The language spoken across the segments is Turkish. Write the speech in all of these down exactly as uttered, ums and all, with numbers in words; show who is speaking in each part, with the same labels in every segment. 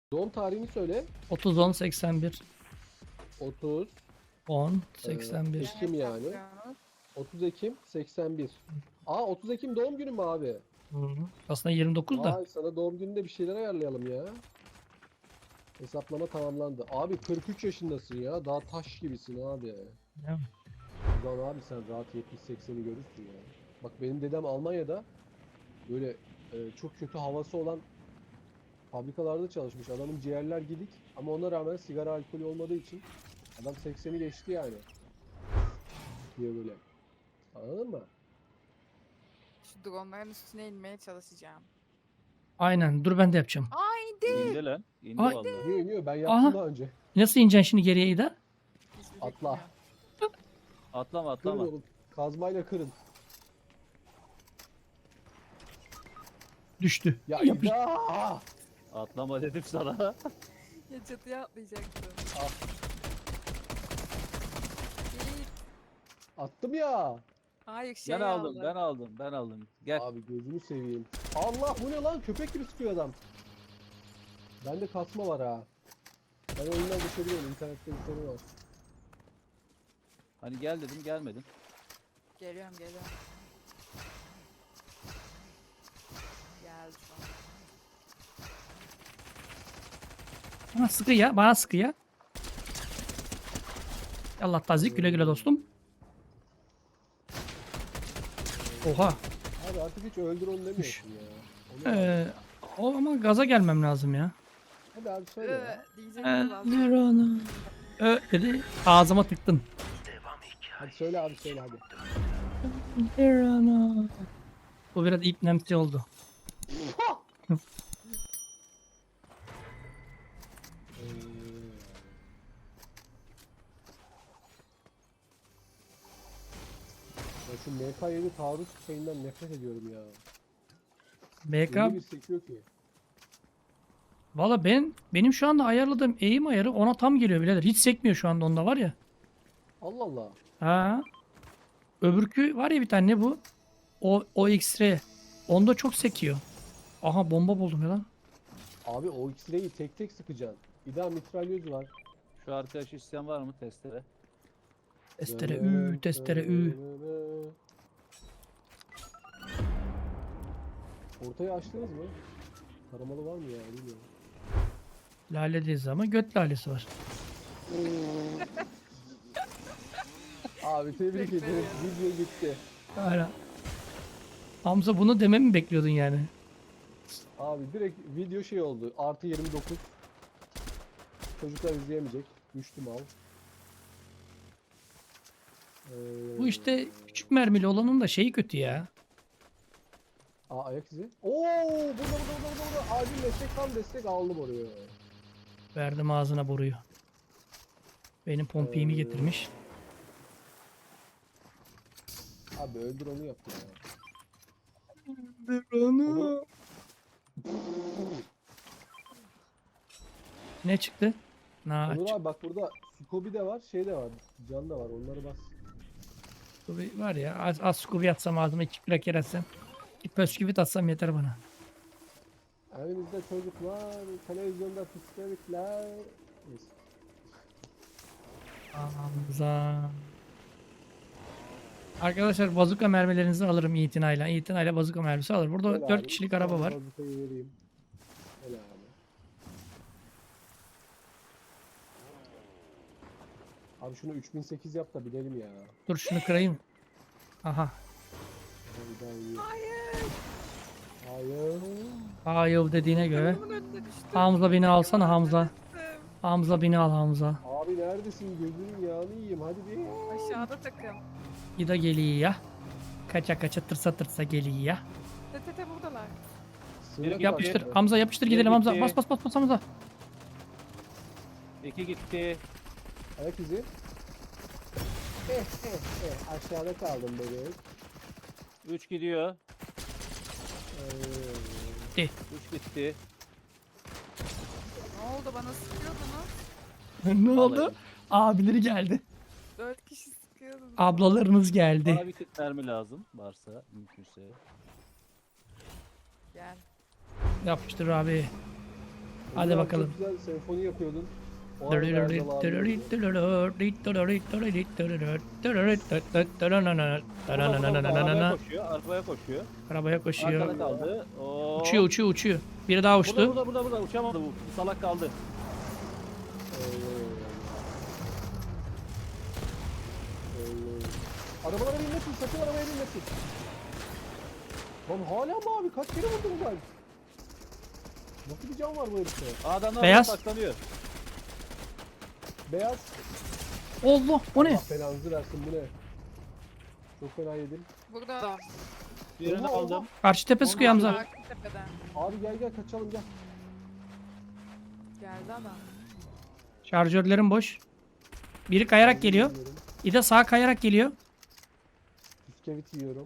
Speaker 1: Doğum tarihini söyle.
Speaker 2: otuz on seksen bir.
Speaker 1: otuz
Speaker 2: on seksen bir.
Speaker 1: Ekim yani. otuz Ekim seksen bir. Aa otuz Ekim doğum günü mü abi?
Speaker 2: Hı hı. Aslında yirmi dokuz da.
Speaker 1: Vay sana doğum gününde bir şeyler ayarlayalım ya. Hesaplama tamamlandı. Abi kırk üç yaşındasın ya. Daha taş gibisin abi.
Speaker 2: Ya.
Speaker 1: Ulan abi sen rahat yetmiş sekseni görürsün ya. Bak benim dedem Almanya'da böyle e, çok kötü havası olan fabrikalarda çalışmış. Adamın ciğerler gidik ama ona rağmen sigara alkolü olmadığı için adam sekseni geçti yani. Diye böyle. Anladın mı?
Speaker 3: Şu dronların üstüne inmeye çalışacağım.
Speaker 2: Aynen. Dur ben de yapacağım.
Speaker 3: Haydi.
Speaker 4: İndi lan. İndi
Speaker 2: Ay.
Speaker 4: vallahi.
Speaker 1: İniyor iniyor ben yaptım
Speaker 2: Aha.
Speaker 1: daha önce.
Speaker 2: Nasıl ineceksin şimdi geriye İda?
Speaker 3: Hiçbir
Speaker 1: Atla.
Speaker 3: fikrim yok.
Speaker 4: Atlama
Speaker 1: Kırın
Speaker 4: atlama.
Speaker 1: oğlum. Kazmayla kırın.
Speaker 2: Düştü.
Speaker 1: Ya
Speaker 2: Yapış-
Speaker 1: İda!
Speaker 4: Atlama dedim sana.
Speaker 3: Ya çatıya atlayacaktım.
Speaker 1: Ah,
Speaker 3: İyi.
Speaker 1: attım ya.
Speaker 3: Hayır şey
Speaker 4: Ben aldım,
Speaker 3: aldım.
Speaker 4: ben aldım, ben aldım. Gel.
Speaker 1: Abi gözünü seveyim. Allah bu ne lan? Köpek gibi sıkıyor adam. Bende kasma var ha. Ben oyundan düşebiliyorum. İnternette bir sorun var.
Speaker 4: Hani gel dedim, gelmedin.
Speaker 3: Geliyorum geliyorum. Geldi sonra.
Speaker 2: Bana sıkı ya. Bana sıkı ya. Allah tazik güle güle dostum. Oha.
Speaker 1: Abi artık hiç öldür onu demiyorsun ya. Onu abi.
Speaker 2: Ee, o ama gaza gelmem lazım ya.
Speaker 1: Hadi abi söyle ya.
Speaker 3: Ee, diyecektim vazgeçtim.
Speaker 2: Ellerona. Ö dedi. Ağzıma tıktın.
Speaker 1: Hadi söyle abi söyle hadi.
Speaker 2: Ellerona. Bu biraz ipnemsi oldu.
Speaker 1: Ee, Ya şu M K yedi taarruz şeyinden nefret ediyorum ya.
Speaker 2: B K.
Speaker 1: Öyle bir sekiyor ki.
Speaker 2: Valla ben benim şu anda ayarladığım eğim ayarı ona tam geliyor birader. Hiç sekmiyor şu anda onda var ya.
Speaker 1: Allah Allah.
Speaker 2: Ha. Öbürkü var ya bir tane ne bu? O o X-ray. Onda çok sekiyor. Aha bomba buldum ya lan.
Speaker 1: Abi o X-ray'i tek tek sıkacaksın. Bir daha mitralyöz var.
Speaker 4: Şu arkadaş isteyen var mı testere?
Speaker 2: Testere ü, testere ü.
Speaker 1: Ortayı açtınız mı? Taramalı var mı ya bilmiyorum.
Speaker 2: Laledeyiz ama göt lalesi var.
Speaker 1: Abi tebrik
Speaker 3: Teşekkür
Speaker 1: ederim.
Speaker 3: ederim.
Speaker 1: Video gitti.
Speaker 2: Hala. Hamza bunu dememi mi bekliyordun yani?
Speaker 1: Abi direkt video şey oldu. Artı yirmi dokuz. Çocuklar izleyemeyecek. Düştüm al. Ee,
Speaker 2: Bu işte küçük mermili olanın da şeyi kötü ya.
Speaker 1: Aa ayak izi. Oo burada burada burada burada. burada. Acil destek tam destek aldım oraya.
Speaker 2: Verdim ağzına boruyu. Benim pompiğimi
Speaker 1: Ee,
Speaker 2: getirmiş.
Speaker 1: Abi öldür onu yaptı ya.
Speaker 2: Onu. Ne çıktı? Na,
Speaker 1: Onur abi bak burada Scooby de var, şey de var. Can da var. Onları bas.
Speaker 2: Scooby var ya. Az, az Scooby atsam ağzıma iki kraker atsam. İki pösküvit atsam yeter bana.
Speaker 1: Evimizde çocuklar, televizyonda psikologlar. Neyse.
Speaker 2: Hamza. Arkadaşlar bazuka mermilerinizi alırım itinayla. İtinayla bazuka mermisi alır. Burada
Speaker 1: Gel
Speaker 2: dört
Speaker 1: abi,
Speaker 2: kişilik
Speaker 1: sana
Speaker 2: araba var.
Speaker 1: bazukayı vereyim. Gel abi. Abi şunu üç bin sekiz yap da bilelim ya.
Speaker 2: Dur şunu kırayım. Aha.
Speaker 1: Hayır. Hayır.
Speaker 2: Hayır dediğine göre.
Speaker 3: Bunun önüne düştüm.
Speaker 2: Hamza beni alsana Hamza.
Speaker 3: Düştüm.
Speaker 2: Hamza beni al Hamza.
Speaker 1: Abi neredesin? Gözünün yağını yiyeyim. Hadi bir.
Speaker 3: Aşağıda takım.
Speaker 2: İda geliyor ya. Kaça kaça tırsa tırsa geliyor ya.
Speaker 3: Tetete buradalar.
Speaker 1: Sığınak
Speaker 2: Yapıştır.
Speaker 1: var.
Speaker 2: Hamza yapıştır
Speaker 4: Biri
Speaker 2: gidelim Hamza.
Speaker 4: gitti.
Speaker 2: Bas bas bas bas Hamza.
Speaker 4: İki gitti.
Speaker 1: Ayak izi. Eh eh eh. Aşağıda kaldım bebeğim.
Speaker 4: Üç gidiyor.
Speaker 1: Ee,
Speaker 4: Üç gitti.
Speaker 3: Ne oldu bana sıkıyordunuz?
Speaker 2: Ne oldu?
Speaker 4: Vallahi.
Speaker 2: Abileri geldi.
Speaker 3: Dört kişi sıkıyordunuz.
Speaker 2: Ablalarınız geldi.
Speaker 4: Bana bir tık mermi lazım varsa mümkünse.
Speaker 3: Gel.
Speaker 2: Yapıştır abi. Hadi
Speaker 1: Emre abi
Speaker 2: bakalım.
Speaker 1: Çok güzel senfoni yapıyordun. O arada Erdal abi
Speaker 4: Burada, burada, burada. Arabaya koşuyor. Arabaya koşuyor.
Speaker 2: Arabaya koşuyor.
Speaker 4: Arkada kaldı. Oo.
Speaker 2: Uçuyor uçuyor uçuyor. Biri daha
Speaker 4: Burada,
Speaker 2: uçtu.
Speaker 4: burada, burada, burada. Uçamadı bu. Bu salak kaldı.
Speaker 1: Arabalara binmesin, sakın arabaya binmesin. Lan hala mı abi? Kaç kere vurdum ben? Nasıl bir can var bu herifte?
Speaker 4: Adamlar
Speaker 2: Beyaz.
Speaker 4: saklanıyor.
Speaker 1: Beyaz.
Speaker 2: Allah o ne?
Speaker 1: Allah belanızı versin bu ne? Çok fena yedim.
Speaker 3: Burada adam.
Speaker 4: Birini
Speaker 1: Oha,
Speaker 4: aldım.
Speaker 2: Karşı tepe sıkıyor Hamza.
Speaker 3: Arka tepeden.
Speaker 1: Abi gel gel kaçalım gel.
Speaker 3: Geldi adam.
Speaker 2: Şarjörlerim boş. Biri kayarak geliyor.
Speaker 1: Yiyorum.
Speaker 2: Bir de sağa kayarak geliyor.
Speaker 1: Bisküvit yiyorum.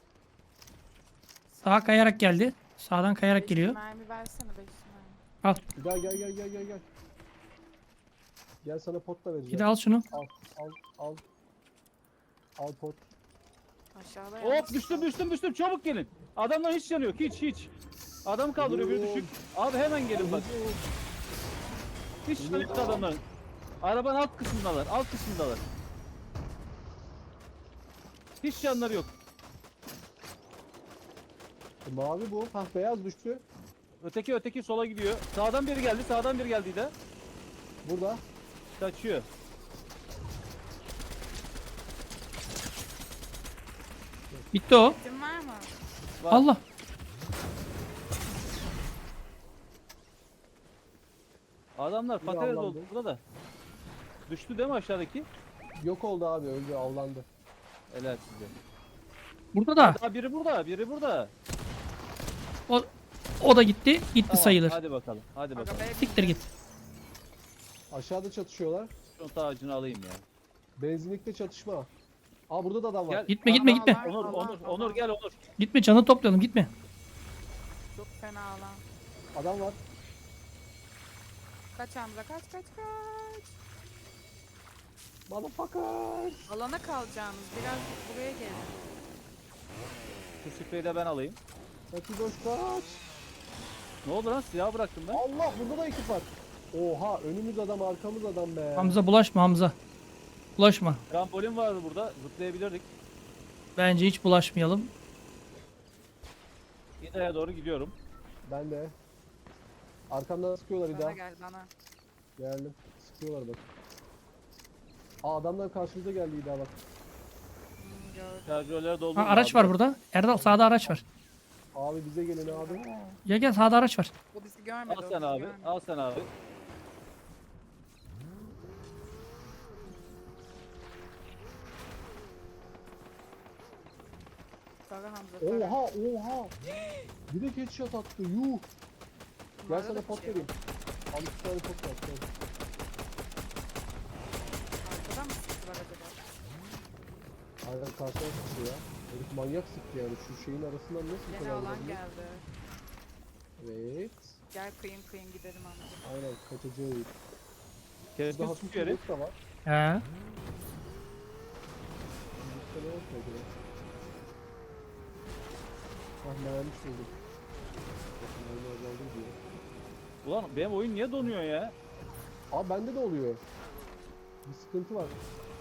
Speaker 2: Sağa kayarak geldi. Sağdan kayarak
Speaker 3: Beş
Speaker 2: geliyor.
Speaker 3: mermi versene beş mermi.
Speaker 2: Al.
Speaker 1: Bir daha gel gel gel gel gel. Gel sana pot da vereceğim.
Speaker 2: Bir de al şunu.
Speaker 1: Al al al. Al pot.
Speaker 3: Aşağıda
Speaker 4: Hop
Speaker 3: yalnız.
Speaker 4: düştüm düştüm düştüm. Çabuk gelin. Adamlar hiç yanı yok. Hiç hiç. Adam kaldırıyor bir düşük. Abi hemen gelin bak. Hiç yanı yok adamların. Arabanın alt kısmındalar. Alt kısmındalar. Hiç yanları yok.
Speaker 1: E, mavi bu. Hah beyaz düştü.
Speaker 4: Öteki öteki sola gidiyor. Sağdan biri geldi. Sağdan biri geldi de.
Speaker 1: Burada.
Speaker 4: Kaçıyor.
Speaker 2: Bitti o.
Speaker 3: Kim var mı?
Speaker 4: Var.
Speaker 2: Allah.
Speaker 4: Adamlar
Speaker 1: Biri
Speaker 4: patates
Speaker 1: avlandı.
Speaker 4: oldu burada da. Düştü değil mi aşağıdaki?
Speaker 1: Yok oldu abi öldü avlandı.
Speaker 4: Helal size.
Speaker 2: Burada da.
Speaker 4: Aa, biri burada, biri burada.
Speaker 2: O, o da gitti. Gitti
Speaker 4: Tamam,
Speaker 2: sayılır.
Speaker 4: Hadi bakalım, hadi
Speaker 3: Aga
Speaker 4: bakalım.
Speaker 3: be.
Speaker 2: Siktir git.
Speaker 1: Aşağıda çatışıyorlar.
Speaker 4: Şunu tacını alayım ya.
Speaker 1: Benzinlikte çatışma. Aa burada da adam var.
Speaker 4: Gel.
Speaker 2: Gitme gitme
Speaker 3: Allah
Speaker 2: gitme.
Speaker 3: Allah.
Speaker 4: Onur, Onur, Onur gel Onur.
Speaker 2: Gitme canı toplayalım gitme.
Speaker 3: Çok fena alan.
Speaker 1: Adam var.
Speaker 3: Kaç Hamza kaç kaç kaç.
Speaker 1: Motherfucker.
Speaker 3: Alana kalacağınız biraz buraya gelin.
Speaker 4: Şu spreyi de ben alayım.
Speaker 1: Kaçı boş kaç.
Speaker 4: Ne oldu lan? Silah bıraktım ben.
Speaker 1: Allah burada da ekip var. Oha önümüz adam arkamız adam be.
Speaker 2: Hamza bulaşma Hamza. Bulaşma.
Speaker 4: Trambolin vardı burada. Zıplayabilirdik.
Speaker 2: Bence hiç bulaşmayalım.
Speaker 4: İda'ya doğru gidiyorum.
Speaker 1: Ben de. Arkamdan sıkıyorlar
Speaker 3: Bana
Speaker 1: İda.
Speaker 3: gel bana.
Speaker 1: Geldim. Sıkıyorlar bak. Aa adamlar karşımıza geldi İda bak.
Speaker 3: Hmm, gördüm.
Speaker 4: Şarjörleri doldurdum.
Speaker 2: Ha, araç
Speaker 4: abi.
Speaker 2: var burada. Erdal sağda araç var.
Speaker 1: Abi bize gelin abi.
Speaker 2: Gel gel sağda araç var.
Speaker 3: O bizi görmedi.
Speaker 4: Al
Speaker 3: o
Speaker 4: sen
Speaker 3: bizi
Speaker 4: abi,
Speaker 3: görmedi.
Speaker 4: al sen abi.
Speaker 3: Sarı Hamza. sarı.
Speaker 1: Oha oha. Bir de headshot attı yuh. Gel
Speaker 3: Bunlarda
Speaker 1: sana
Speaker 3: da
Speaker 1: pot
Speaker 3: bir şey
Speaker 1: vereyim. Al iki tane pot var. gel.
Speaker 3: Arkadan mı sıktılar acaba?
Speaker 1: Aynen karşıya sıktı ya. Herif manyak sıktı yani şu şeyin arasından nasıl
Speaker 3: Gene
Speaker 1: kadar
Speaker 3: alan
Speaker 1: vurabilir?
Speaker 3: geldi.
Speaker 1: Evet.
Speaker 3: Gel kıyın kıyın gidelim Hamza.
Speaker 1: Aynen kaçacağız. Burada
Speaker 4: Keskin
Speaker 1: hafif
Speaker 4: sıkıyor
Speaker 1: bir
Speaker 4: herif.
Speaker 1: bot da var.
Speaker 2: He.
Speaker 1: Bizde ne yok mu acaba? Ah mermiş buldum. Bakın mermi azaldı diyor.
Speaker 4: Ulan benim oyun niye donuyor ya?
Speaker 1: Abi bende de oluyor. Bir sıkıntı var.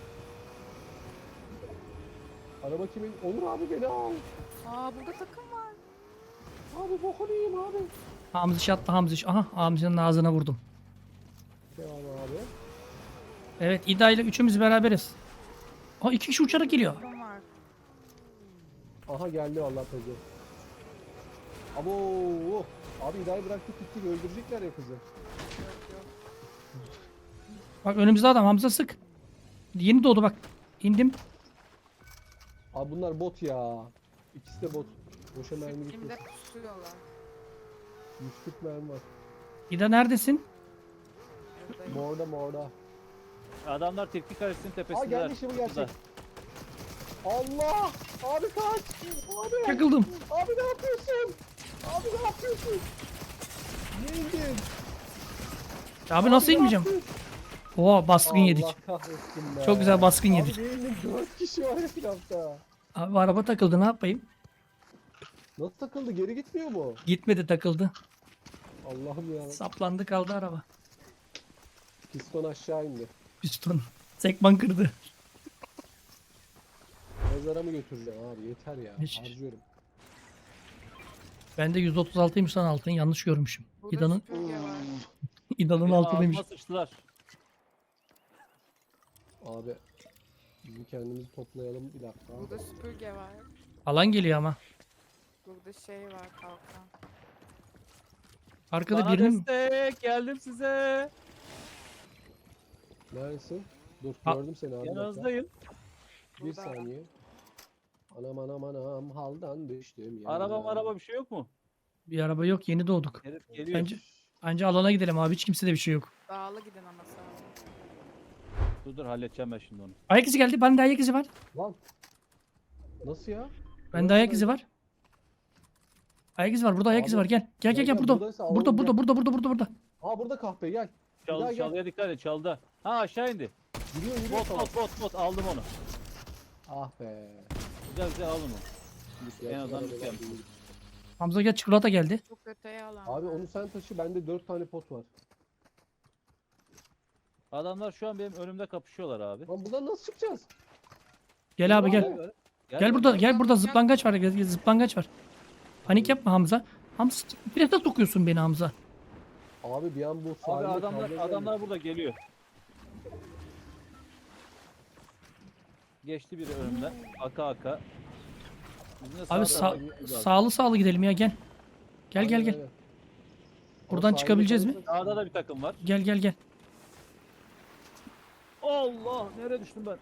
Speaker 1: Araba kimin? Onur abi beni al.
Speaker 3: Aa burada takım var.
Speaker 1: Abi bokunu yiyeyim abi.
Speaker 2: Hamziş attı Hamziş. Aha Hamzi'nin ağzına vurdum.
Speaker 1: Devam abi.
Speaker 2: Evet İda ile üçümüz beraberiz. Aa iki kişi uçarak geliyor.
Speaker 3: Takım var.
Speaker 1: Aha geldi vallahi pezi. Abo. Abi İda'yı bıraktık gittik öldürecekler ya kızı.
Speaker 3: Yok yok.
Speaker 2: Bak önümüzde adam Hamza sık. Yeni doğdu bak. İndim.
Speaker 1: Abi bunlar bot ya. İkisi de bot. Boşa mermi
Speaker 3: Şimdi
Speaker 1: gitmesin.
Speaker 3: pusuyorlar.
Speaker 1: yüz kırk mermi var.
Speaker 2: İda neredesin?
Speaker 3: Buradayım.
Speaker 1: Morda morda.
Speaker 4: Adamlar teknik kalesinin
Speaker 1: Aa
Speaker 4: tepesindeler.
Speaker 1: geldi şimdi
Speaker 4: Burada.
Speaker 1: gerçek. Allah! Abi kaç! Abi!
Speaker 2: Takıldım.
Speaker 1: Abi ne yapıyorsun? Abi ne yapıyorsun? Niye indin?
Speaker 2: Abi nasıl
Speaker 1: ne
Speaker 2: inmeyeceğim?
Speaker 1: yaptın?
Speaker 2: Oha baskın yedik.
Speaker 1: Allah kahretsin be.
Speaker 2: Çok güzel baskın
Speaker 1: Abi
Speaker 2: yedik.
Speaker 1: niye indin? dört kişi var etrafta.
Speaker 2: Abi araba takıldı ne yapayım?
Speaker 1: Nasıl takıldı? Geri gitmiyor mu?
Speaker 2: Gitmedi takıldı.
Speaker 1: Allah'ım ya.
Speaker 2: Saplandı kaldı araba.
Speaker 1: Piston aşağı indi.
Speaker 2: Piston. Sekman kırdı.
Speaker 1: Mezara mı götüreceğim abi? Yeter ya.
Speaker 2: Hiç.
Speaker 1: Harcıyorum.
Speaker 2: Ben de yüz otuz altıymış lan altın. Yanlış görmüşüm.
Speaker 3: Burada
Speaker 2: İda'nın
Speaker 3: süpürge var.
Speaker 2: İda'nın
Speaker 4: Benim
Speaker 2: altınıymış.
Speaker 4: ağzıma sıçtılar.
Speaker 1: Abi bizim kendimizi toplayalım bir dakika.
Speaker 3: Burada süpürge var.
Speaker 2: Alan geliyor ama.
Speaker 3: Burada şey var kalkan.
Speaker 2: Arkada
Speaker 4: Bana
Speaker 2: birinin
Speaker 4: destek geldim size.
Speaker 1: Neredesin? Dur
Speaker 2: Ha-
Speaker 1: gördüm seni abi. bir dakika.
Speaker 4: Yanınızdayım.
Speaker 1: Bir
Speaker 3: Burada.
Speaker 1: saniye. Anam anam anam haldan düştüm ya.
Speaker 4: Araba araba bir şey yok mu?
Speaker 2: bir araba yok. Yeni doğduk.
Speaker 4: Herif geliyor.
Speaker 2: Bence Anca alana gidelim abi. Hiç kimsede bir şey yok.
Speaker 3: Dağlı gidin ama sağ
Speaker 4: Dur dur halledeceğim ben şimdi onu.
Speaker 2: Ayak izi geldi. Bende ayak izi var.
Speaker 1: Lan. Nasıl ya?
Speaker 2: Bende ayak izi var. Ayak izi var. Burada ayak izi
Speaker 1: Abi,
Speaker 2: var. Gel. Gel gel gel burada.
Speaker 1: buradaysa alalım,
Speaker 2: Burada
Speaker 1: gel.
Speaker 2: burada burada burada burada burada.
Speaker 1: Aa burada kahpe gel. Bir daha
Speaker 4: Çal,
Speaker 1: gel.
Speaker 4: çalıya dikkat et çaldı. Ha aşağı indi.
Speaker 1: Yürüyor yürüyor
Speaker 4: Bot
Speaker 1: tamam.
Speaker 4: bot bot bot aldım onu.
Speaker 1: Ah be.
Speaker 4: Güzel güzel aldım onu. En
Speaker 1: Gerçi
Speaker 4: azından
Speaker 1: araba
Speaker 4: bir şey.
Speaker 1: değil.
Speaker 2: Hamza gel çikolata geldi.
Speaker 3: Çok öteye alan.
Speaker 1: Abi
Speaker 3: var.
Speaker 1: onu sen taşı bende dört tane pot var.
Speaker 4: Adamlar şu an benim önümde kapışıyorlar abi.
Speaker 1: Lan buradan nasıl çıkacağız?
Speaker 2: Gel abi gel.
Speaker 1: Abi.
Speaker 2: Gel burada gel burada zıplangaç var. Gel, gel, zıplangaç var. Panik yapma Hamza. Hamza bir de sokuyorsun beni Hamza.
Speaker 1: Abi bir an bu
Speaker 4: Abi
Speaker 1: sahilde
Speaker 4: adamlar
Speaker 1: kavga geldi.
Speaker 4: adamlar burada geliyor. Geçti biri önümden. Aka aka. Bizim de
Speaker 2: Abi
Speaker 4: sağ
Speaker 2: sağ,
Speaker 4: tarafa gitmemiz lazım.
Speaker 2: sağlı sağlı gidelim ya gel. Gel gel
Speaker 1: Aynen,
Speaker 2: gel.
Speaker 1: aynen.
Speaker 2: Buradan
Speaker 1: Ama
Speaker 2: çıkabileceğiz
Speaker 1: sahilde
Speaker 2: mi?
Speaker 1: kalırsak-
Speaker 4: Sağda da bir takım var.
Speaker 2: Gel gel gel.
Speaker 4: Allah nereye düştüm ben?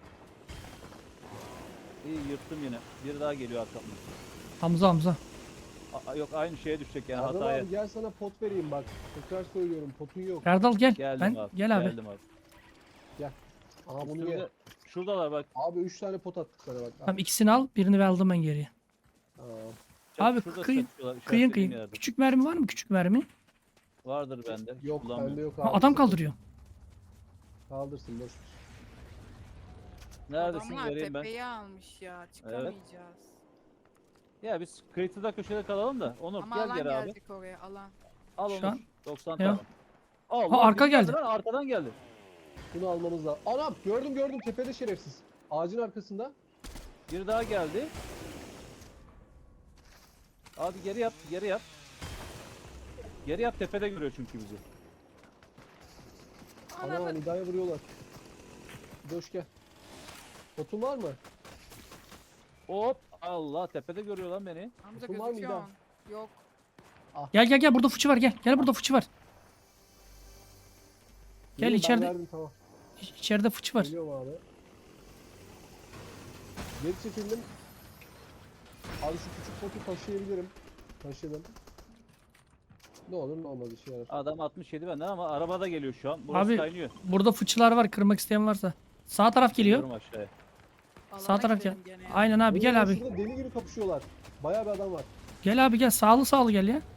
Speaker 4: İyi yırttım yine. Biri daha geliyor arkamdan.
Speaker 2: Hamza Hamza.
Speaker 4: A- yok aynı şeye düşecek yani
Speaker 1: Erdal
Speaker 4: hataya.
Speaker 1: abi gel sana pot vereyim bak. Tekrar söylüyorum potun yok.
Speaker 2: Erdal gel.
Speaker 4: Geldim
Speaker 2: Ben
Speaker 4: abi.
Speaker 2: gel abi.
Speaker 4: Geldim abi.
Speaker 1: Aha bunu
Speaker 4: Üstümde-
Speaker 1: ye.
Speaker 4: Şuradalar bak.
Speaker 1: Abi üç tane pot attık sana bak.
Speaker 2: Tamam ikisini al. Birini ver aldım ben geriye.
Speaker 1: Aa,
Speaker 2: Abi,
Speaker 4: Şurada
Speaker 2: kıyın-
Speaker 4: satıyorlar,
Speaker 2: Kıyın
Speaker 4: işaretlediğim
Speaker 2: kıyın.
Speaker 4: yerde.
Speaker 2: Küçük mermi var mı? Küçük mermi.
Speaker 4: Vardır bende.
Speaker 1: yok
Speaker 4: Kullanmıyorum.
Speaker 1: bende yok abi.
Speaker 2: Ha, adam
Speaker 1: sakın.
Speaker 2: kaldırıyor.
Speaker 1: Kaldırsın boş ver.
Speaker 4: Neredesin
Speaker 3: Adamlar
Speaker 4: vereyim ben.
Speaker 3: tepeyi almış ya. Çıkamayacağız.
Speaker 4: Ya biz kıyıda köşede kalalım da. Onur
Speaker 3: Ama
Speaker 4: gel
Speaker 3: alan
Speaker 4: geri abi.
Speaker 3: gelecek oraya alan.
Speaker 4: Al
Speaker 2: Şu
Speaker 4: Onur.
Speaker 2: an-
Speaker 4: doksan
Speaker 2: Ya.
Speaker 4: tane. Allah,
Speaker 2: Ha, arka
Speaker 4: biri
Speaker 2: geldi.
Speaker 4: Lan, arkadan geldi.
Speaker 1: Bunu almamız lazım. Anam gördüm gördüm tepede şerefsiz. Ağacın arkasında.
Speaker 4: Biri daha geldi. Abi geri yap, geri yap. Geri yap tepede görüyor çünkü bizi.
Speaker 1: Ana
Speaker 3: Ananı.
Speaker 1: Nida'ya vuruyorlar. Doş gel. Potun var mı?
Speaker 4: Hop Allah tepede görüyor lan beni.
Speaker 3: Hamza
Speaker 1: Dokun var mı
Speaker 3: gözüküyorsun. Yok.
Speaker 2: Gel gel gel burada fıçı var gel. Gel burada fıçı var. Gel
Speaker 1: Yürü, ben
Speaker 2: içeride.
Speaker 1: verdim, tamam.
Speaker 2: İç- İçeride fıçı var.
Speaker 1: Geliyorum abi. Geri çekildim. Abi şu küçük potu taşıyabilirim. Taşıdım. Ne olur ne olmaz işe yarar.
Speaker 4: Adam altmış yedi benden ama arabada geliyor şu an. Burası
Speaker 2: Abi,
Speaker 4: kaynıyor.
Speaker 2: Burada fıçılar var. Kırmak isteyen varsa. Sağ taraf geliyor.
Speaker 4: Gidiyorum aşağıya.
Speaker 2: Sağ
Speaker 3: Alana
Speaker 2: taraf
Speaker 3: gidelim gene ya.
Speaker 2: Aynen abi
Speaker 1: Oo,
Speaker 2: gel abi.
Speaker 1: Şurada deli gibi kapışıyorlar. Bayağı bir adam var.
Speaker 2: Gel abi gel. Sağlı sağlı gel ya.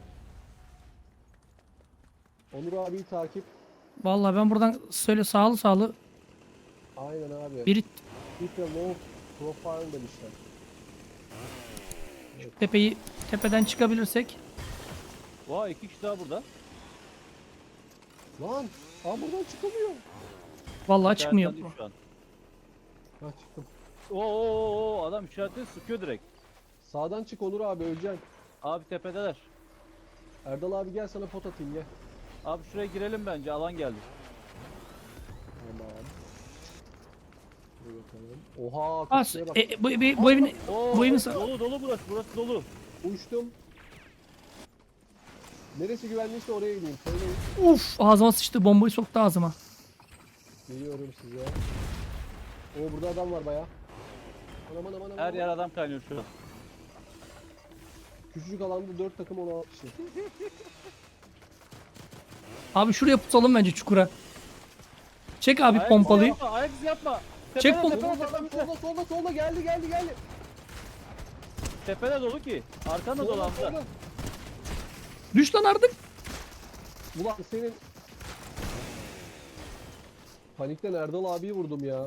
Speaker 1: Onur abiyi takip.
Speaker 2: Vallahi ben buradan söyle sağlı sağlı.
Speaker 1: Aynen abi.
Speaker 2: Biri
Speaker 1: Bir de low profile demişler.
Speaker 2: tepeyi tepeden çıkabilirsek.
Speaker 4: Vay iki kişi daha burada.
Speaker 1: Lan! Aa buradan çıkamıyor.
Speaker 2: Vallahi çıkmıyor.
Speaker 4: İşaretlendi şu an.
Speaker 1: Ha çıktım.
Speaker 4: Oo, oo, oo, adam işaretini sıkıyor direkt.
Speaker 1: Sağdan çık Onur abi öleceksin.
Speaker 4: Abi tepedeler.
Speaker 1: Erdal abi gel sana pot atayım gel.
Speaker 4: Abi şuraya girelim bence alan geldi.
Speaker 1: Tamam. Dur bakalım. Oha
Speaker 2: As,
Speaker 1: kapıya bak.
Speaker 2: e, e, bu, bu, bu evin
Speaker 4: Oo,
Speaker 2: Bu evin
Speaker 4: dolu
Speaker 2: sa-
Speaker 4: dolu burası burası dolu.
Speaker 1: Uçtum. Neresi güvenliyse oraya gideyim. Söyleyin.
Speaker 2: uf ağzıma sıçtı. Bombayı soktu ağzıma.
Speaker 1: Geliyorum size. Oo burada adam var baya. Anam anam anam.
Speaker 4: Her
Speaker 1: anam.
Speaker 4: yer adam kaynıyor şu an.
Speaker 1: Küçücük alanda dört takım on altı kişi.
Speaker 2: Abi şuraya pusalım bence çukura. Çek abi
Speaker 4: Ayak
Speaker 2: pompalıyı.
Speaker 4: izi yapma, ayak izi yapma.
Speaker 2: Çek
Speaker 4: Tepede,
Speaker 2: pom-
Speaker 4: tepede,
Speaker 1: Solda adam
Speaker 4: tepede,
Speaker 1: solda solda solda geldi geldi geldi.
Speaker 4: tepede dolu ki. Arkanda dolu
Speaker 1: Solda
Speaker 4: Hamza.
Speaker 1: solda.
Speaker 2: Düş lan artık.
Speaker 1: Ulan senin... Panikten Erdal abiyi vurdum ya.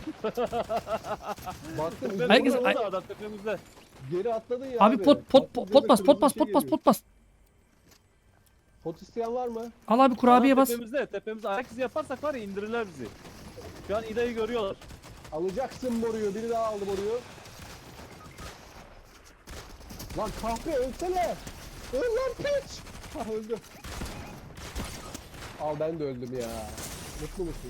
Speaker 1: Baktım
Speaker 4: Tepede
Speaker 2: Herkes-
Speaker 4: dolu
Speaker 2: ay-
Speaker 4: da adam tepemizde.
Speaker 1: geri atladın ya
Speaker 2: Abi pot pot pot
Speaker 1: Baktım
Speaker 2: pot bas
Speaker 1: göze
Speaker 2: pot bas
Speaker 1: kırmızı
Speaker 2: pot
Speaker 1: bir
Speaker 2: bas
Speaker 1: şey
Speaker 2: pot bas.
Speaker 1: Pot isteyen var mı?
Speaker 2: Al abi kurabiye
Speaker 4: Adam
Speaker 2: bas.
Speaker 4: Tepemizde, tepemizde ayak izi yaparsak var ya indirirler bizi. Şu an İda'yı görüyorlar.
Speaker 1: Alacaksın boruyu. Biri daha aldı boruyu. Lan kahpe ölsene. Öl lan piç. Ha öldüm. Al ben de öldüm ya. Mutlu musun?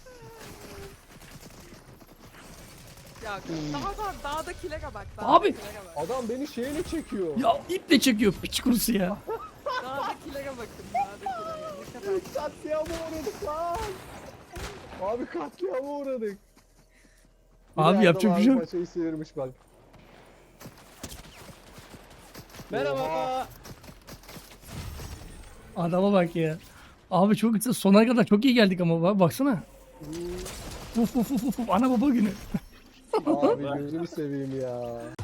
Speaker 3: Ya daha da dağdakilere bak.
Speaker 2: Abi!
Speaker 3: Dağdakilere bak.
Speaker 1: Adam beni şeyle çekiyor.
Speaker 2: Ya iple çekiyor piç kurusu ya.
Speaker 3: Dağdakilere bakın. Dağdakilere. Ne kadar.
Speaker 1: Katliama uğradık lan. Abi katliama uğradık.
Speaker 2: Abi
Speaker 1: Yine
Speaker 2: yapacak
Speaker 1: adam
Speaker 2: bir şey
Speaker 1: abi
Speaker 2: yok.
Speaker 1: Paçayı sıyırmış bak.
Speaker 4: Merhaba.
Speaker 1: Oha.
Speaker 2: Adama bak ya. Abi çok sona kadar çok iyi geldik ama bak- baksana. Uf uf uf uf ana baba günü.
Speaker 1: Abi gözünü seveyim ya.